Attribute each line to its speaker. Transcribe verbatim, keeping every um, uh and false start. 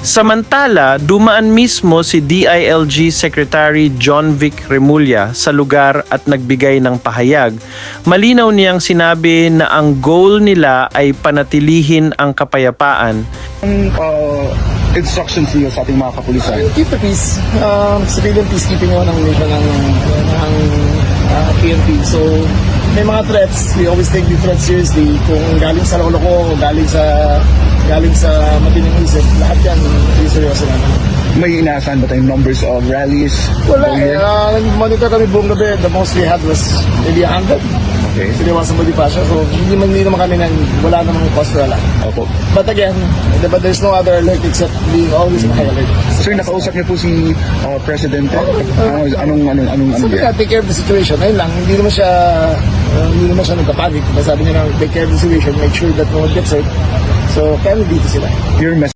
Speaker 1: Samantala, dumaan mismo si D I L G Secretary John Vic Remulla sa lugar at nagbigay ng pahayag. Malinaw niyang sinabi na ang goal nila ay panatilihin ang kapayapaan.
Speaker 2: Ang uh, instructions niyo sa ating mga kapulisan?
Speaker 3: Keep the peace. Um, civilian peacekeeping yun ang mission ng, ng uh, P N P. So, may mga threats. We always take the threats seriously. Kung galing sa lolo ko, galing sa galing sa matining isip, lahat yan, seryoso naman.
Speaker 2: May inaasahan ba tayong numbers of rallies?
Speaker 3: Wala,
Speaker 2: over here?
Speaker 3: uh, nag-monitor kami buong gabi. The most we had was maybe one hundred.
Speaker 2: Okay.
Speaker 3: Siniwasan mo di pa siya. So, hindi man hindi naman kami nang wala namang cause for alarm.
Speaker 2: Opo.
Speaker 3: But again, but there's no other alert except being always in high alert.
Speaker 2: Sir, nakausap niyo po si uh, Presidente? Uh, anong, anong, anong, anong,
Speaker 3: Sabi
Speaker 2: yan?
Speaker 3: nga, take care of the situation. Ayun lang, hindi naman siya, uh, hindi naman siya nagpapanik. Sabi niya lang, take care of the situation, make sure that no one gets hurt. So, kaya dito sila.
Speaker 2: Your message